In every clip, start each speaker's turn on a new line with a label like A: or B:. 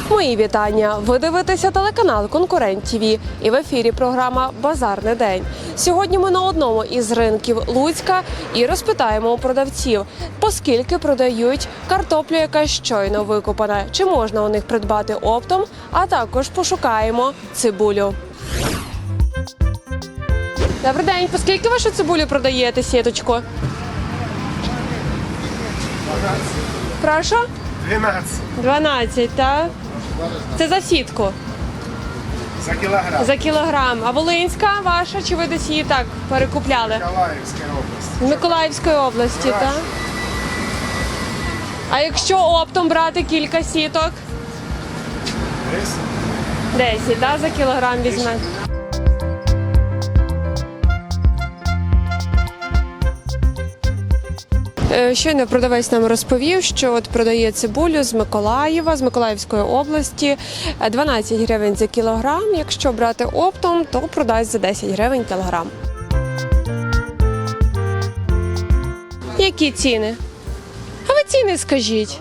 A: Мої вітання! Ви дивитеся телеканал «Конкурент ТВ» і в ефірі програма «Базарний день». Сьогодні ми на одному із ринків Луцька і розпитаємо у продавців, поскільки продають картоплю, яка щойно викопана, чи можна у них придбати оптом, а також пошукаємо цибулю. Добрий день! Поскільки вашу цибулю продаєте, сіточку?
B: 12.
A: Прошу?
B: 12
A: 12, так? Це за сітку?
B: за кілограм.
A: За кілограм. А волинська ваша, чи ви десь її так перекупляли?
B: Миколаївська область.
A: З Миколаївської області, так? А якщо оптом брати кілька сіток? 10, так? За кілограм візьме. Щойно продавець нам розповів, що от продає цибулю з Миколаєва, з Миколаївської області, 12 гривень за кілограм. Якщо брати оптом, то продасть за 10 гривень кілограм. Які ціни? А ви ціни скажіть.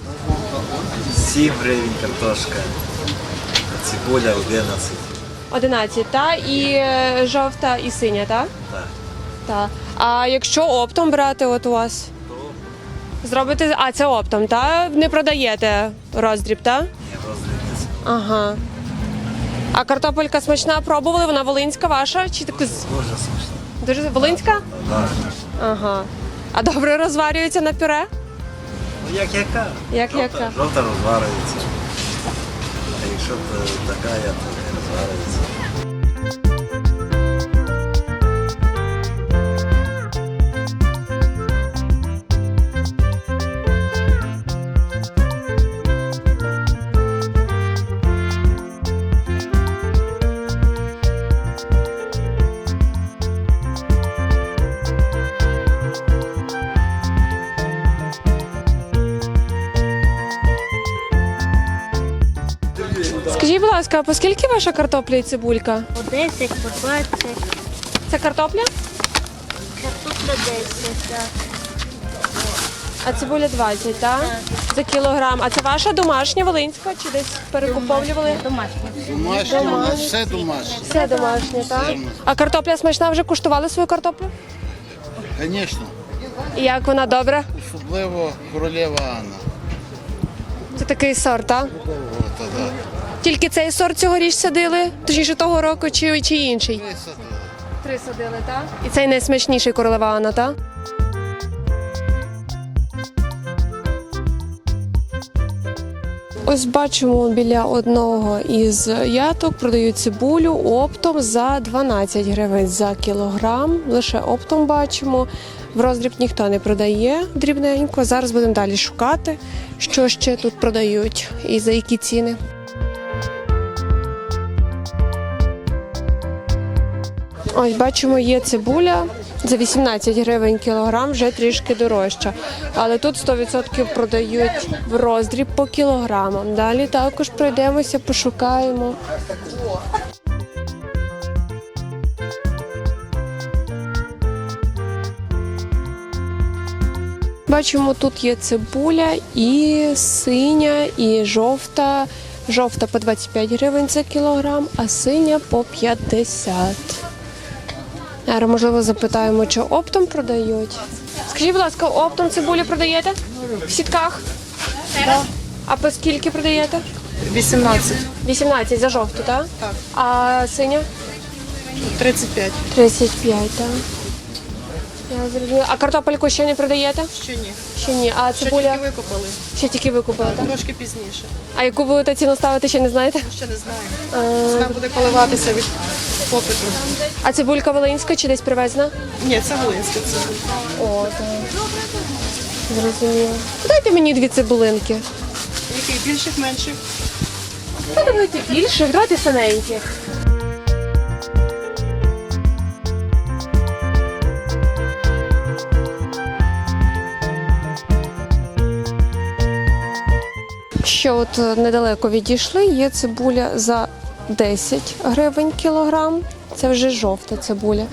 C: 7 гривень картошка, цибуля 11.
A: 11, так? І жовта, і синя, так?
C: Так.
A: Так. А якщо оптом брати от у вас? Зробите, а це оптом, так? Не продаєте роздріб, так?
C: Ні, розрізниця.
A: Ага. А картопелька смачна, пробували? Вона волинська ваша? Чи так...
C: Дуже смачно.
A: Дуже волинська?
C: Так.
A: Ага. А добре розварюється на пюре?
C: Ну як яка?
A: Як
C: жовта,
A: яка?
C: Жовта розварюється. А якщо така, то не розварюється.
A: Скажіть, будь ласка, а по скільки ваша картопля і цибулька?
D: По 10, по 20,
A: Це картопля?
D: картопля 10, так.
A: А цибуля 20, так? За кілограм. А це ваша домашня, волинська, чи десь перекуповлювали?
D: Домашня.
E: Домашнє, все домашнє.
A: Все домашнє, так? А картопля смачна, вже куштували свою картоплю?
E: Звісно,
A: І як вона добра?
E: особливо королева Анна.
A: Це такий сорт, так?
E: От, да.
A: Тільки цей сорт цьогоріч садили? Точніше того року чи інший?
E: Висадили.
A: 3 садили, так? І цей найсмачніший королева Анна, так? Ось бачимо, біля одного із яток продають цибулю оптом за 12 гривень за кілограм. Лише оптом бачимо. В роздріб ніхто не продає дрібненько. Зараз будемо далі шукати, що ще тут продають і за які ціни. Ось бачимо, є цибуля за 18 гривень кілограм, вже трішки дорожча. Але тут 100% продають в роздріб по кілограмам. Далі також пройдемося, пошукаємо. Бачимо, тут є цибуля і синя, і жовта. Жовта по 25 гривень за кілограм, а синя по 50. Зараз, можливо, запитаємо, чи оптом продають. Скажіть, будь ласка, оптом цибулю продаєте? В сітках? Так. А по скільки продаєте?
F: 18,
A: 18 за жовту, так?
F: Так.
A: А синя?
F: 35.
A: 35, так. Я зрозуміла. А картопельку ще не продаєте?
F: Ще ні.
A: Ще ні. А
F: Ще
A: цибуля?
F: тільки викопали.
A: Ще тільки викупили, так?
F: Трошки пізніше.
A: А яку будете ціну ставити, ще не знаєте?
F: Ще не знаю. Ціна буде коливатися від попиту.
A: А цибулька волинська чи десь привезена?
F: Ні, це волинська цибуля.
A: О, так. Зрозуміло. Дайте мені 2 цибулинки.
F: Яких більших, менших?
A: Ну, давайте більших, давайте синеньких. Ще от недалеко відійшли, є цибуля за 10 гривень кілограм. Це вже жовта цибуля.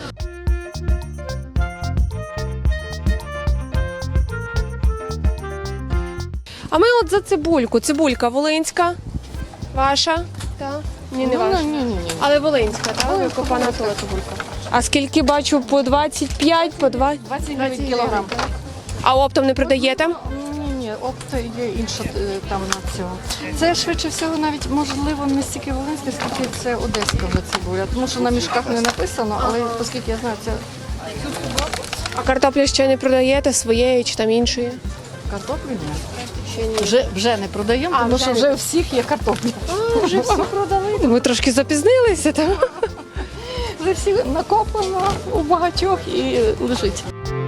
A: А ми от за цибульку. Цибулька волинська Ваша? Так. Ні, не ваша.
F: Ні.
A: Але волинська, так? Викопана тут. А скільки бачу, по 25, по 20?
F: 20 гривень кілограм.
A: А оптом не продаєте?
F: Ні, опт є інша там на цього. Це швидше всього навіть, можливо, не стільки волинське, скільки це одеська вже цибуля. Тому що на мішках не написано, але оскільки я знаю, це
A: А картоплю ще не продаєте своєї чи там іншої?
F: картоплю.
A: Ще ні.
F: Вже не продаємо, тому що вже у всіх є картопля.
A: Вже всі продали. Ми трошки запізнилися, так?
F: Вже всі накоплено у багатьох і лежить.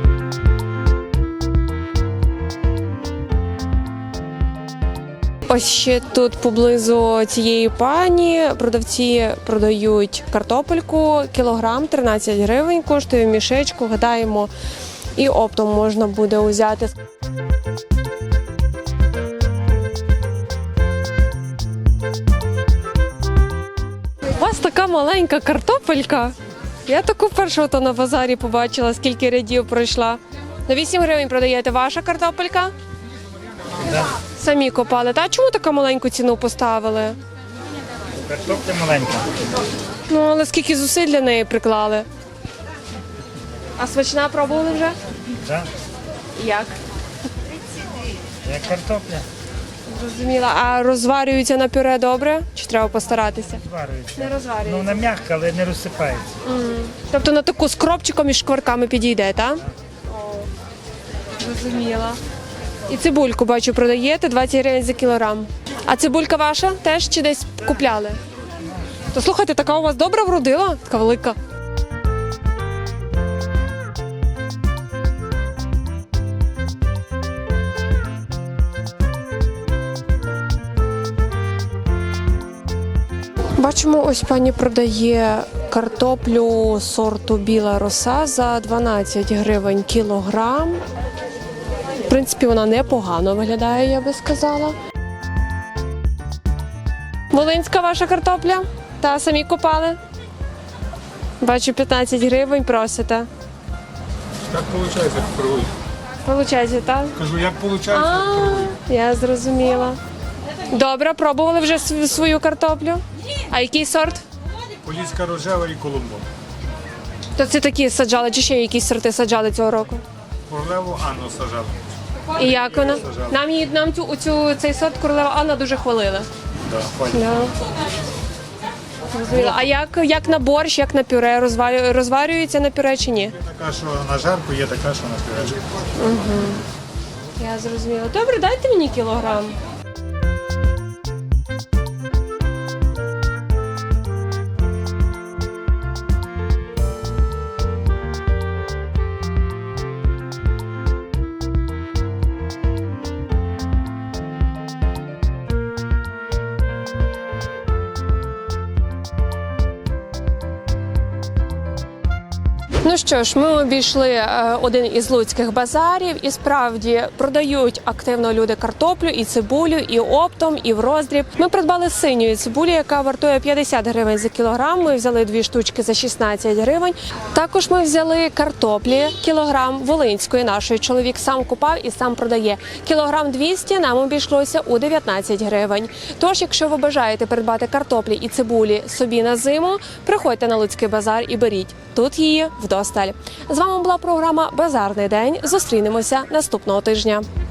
A: Ось ще тут поблизу цієї пані продавці продають картопельку, кілограм 13 гривень, коштує в мішечку, гадаємо, і оптом можна буде взяти. У вас така маленька картопелька. Я таку першу то на базарі побачила, скільки рядів пройшла. На 8 гривень продаєте ваша картопелька? Самі копали. Та чому таку маленьку ціну поставили?
B: Картопля маленька.
A: Ну, але скільки зусиль для неї приклали. А смачна пробували вже?
B: Так?
A: Як?
B: Як картопля.
A: Зрозуміла. А розварюється на пюре добре? Чи треба постаратися?
B: Зварюється.
A: Не розварюється.
B: Ну, вона м'яка, але не розсипається.
A: Тобто на таку з кропчиком і шкварками підійде, так? Зрозуміла. І цибульку, бачу, продаєте 20 гривень за кілограм. А цибулька ваша теж чи десь купляли? То слухайте, така у вас добра вродила? Така велика. Бачимо, ось пані продає картоплю сорту біла роса за 12 гривень кілограм. В принципі, вона непогано виглядає, я би сказала. Волинська ваша картопля? Та самі копали? Бачу, 15 гривень просите.
G: Как получается, как торгуют?
A: Получається, так?
G: Кажу, як получается,
A: А,
G: как торгуют?
A: я зрозуміла. Добре, пробували вже свою картоплю? А який сорт?
G: Поліська рожева і Колумбо.
A: То це такі саджали, чи ще якісь сорти саджали цього року?
G: Королеву Анну сажали.
A: І як вона? Нам цей сорт королева Анна дуже хвалили.
G: Да, пані.
A: Да. Зрозуміла. А як на борщ, як на пюре? Розварюється на пюре чи ні?
G: Є така, що на жарку, є така, що на пюрешку.
A: Я зрозуміла. Добре, дайте мені кілограм. Ну що ж, ми обійшли один із луцьких базарів, і справді продають активно люди картоплю і цибулю, і оптом, і в роздріб. Ми придбали синьої цибулі, яка вартує 50 гривень за кілограм. Ми взяли 2 штучки за 16 гривень. Також ми взяли картоплі, кілограм волинської нашої. Чоловік сам купав і сам продає. Кілограм 200 нам обійшлося у 19 гривень. Тож, якщо ви бажаєте придбати картоплі і цибулі собі на зиму, приходьте на Луцький базар і беріть. Тут її вдосталь. З вами була програма «Базарний день». Зустрінемося наступного тижня.